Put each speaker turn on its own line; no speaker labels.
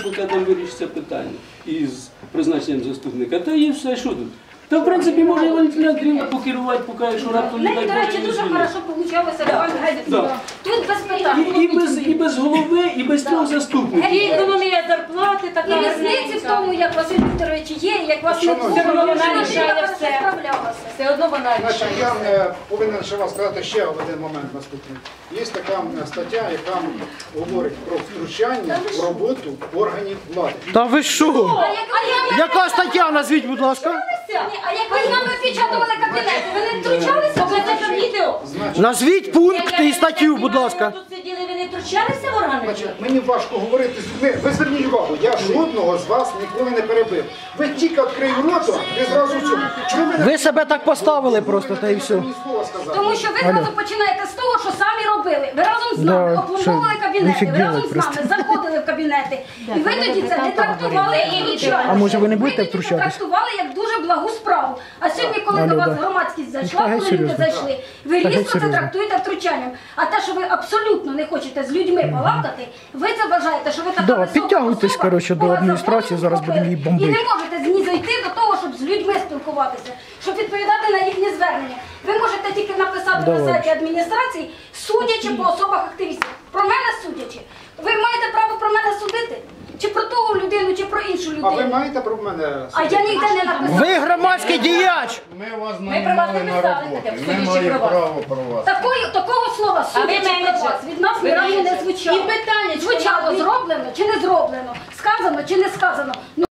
поки там вирішиться питання із призначенням заступника. Та і все, що тут? Та, в принципі, може Валентина Андріївна покерувати, поки якщо раптом не дай
До речі, дуже хорошо вийшло. Тут без питань.
І без голови, і без трьох заступників.
І економія зарплати, така. І різниці в тому, як Василь Вікторович є, як вас не було. Вона рішає все. Все одно вона рішає.
Я повинен ще вам сказати ще один момент наступний. Є така стаття, яка говорить про втручання в роботу органів влади.
Та ви що? Яка стаття, назвіть, будь ласка?
А як ви з нами печатували кабінети, ви не втручалися? Ви це відео.
Назвіть пункт і статтю, будь ласка.
Тут сиділи, ви не втручалися в органи?
Значить, мені важко говорити з людьми. Ви зверніть увагу, я жодного з вас ніколи не перебив. Ви тільки відкрию рота, ви зразу цьому. Чому ви
Ви себе так поставили просто, та й все.
мені слова сказали?
Тому що ви зразу починаєте з того, що самі робили. Ви разом з нами опломбовували кабінети, ви разом з нами заходили в кабінети. І ви тоді це не трактували і втручалися.
А може ви не будете
Ви тоді це
втручатись?
трактували як дуже благу справу. А сьогодні, коли до вас громадськість зайшла,
Та геть
коли люди
серйозно.
зайшли, ви
Та геть
різко це
серйозно.
трактуєте втручанням. А те, що ви абсолютно не хочете з людьми балакати, ви це вважаєте, що ви така
Да,
висока
підтягуйтесь,
особа,
коротше, до
кого
адміністрації,
законом
зараз будемо її
зробили. І
бомбити.
не можете знизойти до того, щоб з людьми спілкуватися, щоб відповідати на їхні звернення. Ви можете тільки написати на сайті адміністрації, судячи по особах активістів. Про мене судячи. Ви маєте право про мене судити? Чи про ту людину, чи про іншу
А ви
людину?
маєте про мене?
А я ніде не написала.
Ви громадський діяч!
Ми вас
Ми про вас
наймали
не
на
писали
роботу.
таке,
Ми
судячи
маємо
про вас.
право про вас.
Такого слова судячи про вас від нас ні разу не звучало.
І питання,
Звучало зроблено чи не зроблено, сказано чи не сказано.